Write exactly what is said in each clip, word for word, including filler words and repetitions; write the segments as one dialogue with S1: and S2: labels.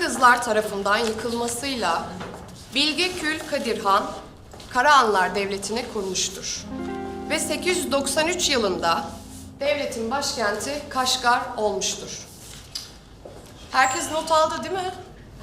S1: Kırgızlar tarafından yıkılmasıyla Bilge Kül Kadir Han, Karahanlar Devleti'ni kurmuştur. Ve sekiz yüz doksan üç yılında devletin başkenti Kaşgar olmuştur. Herkes not aldı değil mi?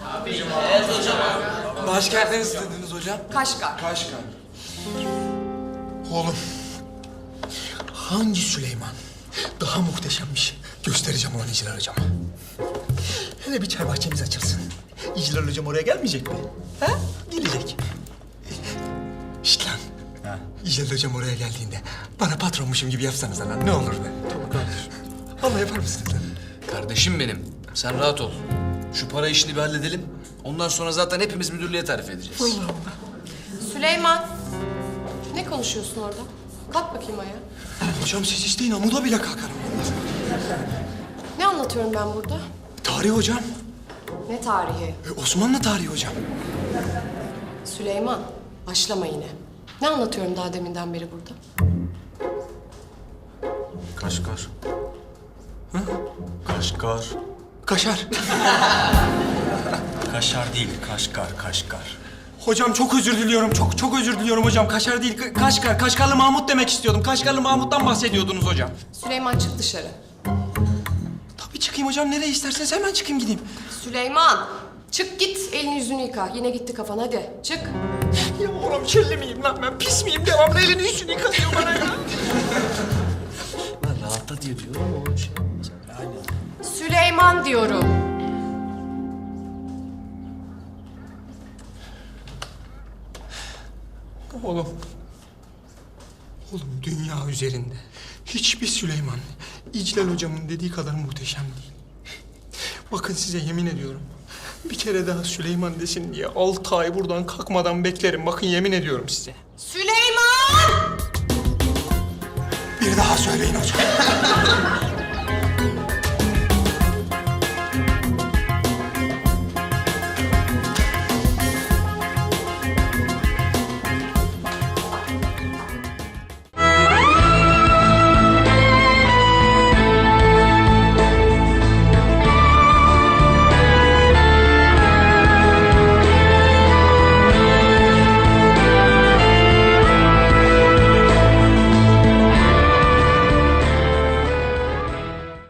S2: Başkentleri istediniz hocam.
S1: Kaşgar.
S2: Kaşgar. Oğlum, hangi Süleyman daha muhteşemmiş göstereceğim ona İclal Hocam'a. Hele bir çay bahçemiz açılsın. İclal Hocam oraya gelmeyecek mi? Ha? Gelecek. Şşt lan. Ha. İclal Hocam oraya geldiğinde bana patronmuşum gibi yapsanız lan. Ne olur be. Tamam kardeşim. Vallahi yapar mısınız lan?
S3: Kardeşim benim, sen rahat ol. Şu para işini bir halledelim. Ondan sonra zaten hepimiz müdürlüğe tarif edeceğiz.
S2: Vallahi Allah.
S1: Süleyman, ne konuşuyorsun orada? Kalk bakayım ayağa.
S2: Hocam siz isteyin amuda bile kalkarım.
S1: Ne anlatıyorum ben burada?
S2: Tarih hocam.
S1: Ne tarihi?
S2: E, Osmanlı tarihi hocam.
S1: Süleyman, başlama yine. Ne anlatıyorum daha deminden beri burada?
S3: Kaşgar. Hı? Kaşgar.
S2: Kaşar.
S4: Kaşar değil, Kaşgar, Kaşgar.
S2: Hocam çok özür diliyorum. Çok çok özür diliyorum hocam. Kaşar değil, Ka- Kaşgar. Kaşgarlı Mahmut demek istiyordum. Kaşgarlı Mahmut'tan bahsediyordunuz hocam.
S1: Süleyman çık dışarı.
S2: Tabii çıkayım hocam. Nereye isterseniz hemen çıkayım gideyim.
S1: Süleyman, çık git elini yüzünü yıka. Yine gitti kafan hadi çık.
S2: Ya oğlum kirli miyim lan ben? Pis miyim? Devamlı elini yüzünü yıkatıyor bana ya.
S3: Lan rahatla diye diyorum oğlum şey.
S1: Süleyman diyorum.
S2: Oğlum. Oğlum dünya üzerinde hiçbir Süleyman İclal hocamın dediği kadar muhteşem değil. Bakın size yemin ediyorum. Bir kere daha Süleyman desin diye altı ay buradan kalkmadan beklerim. Bakın yemin ediyorum size.
S1: Süleyman!
S2: Bir daha söyleyin hocam.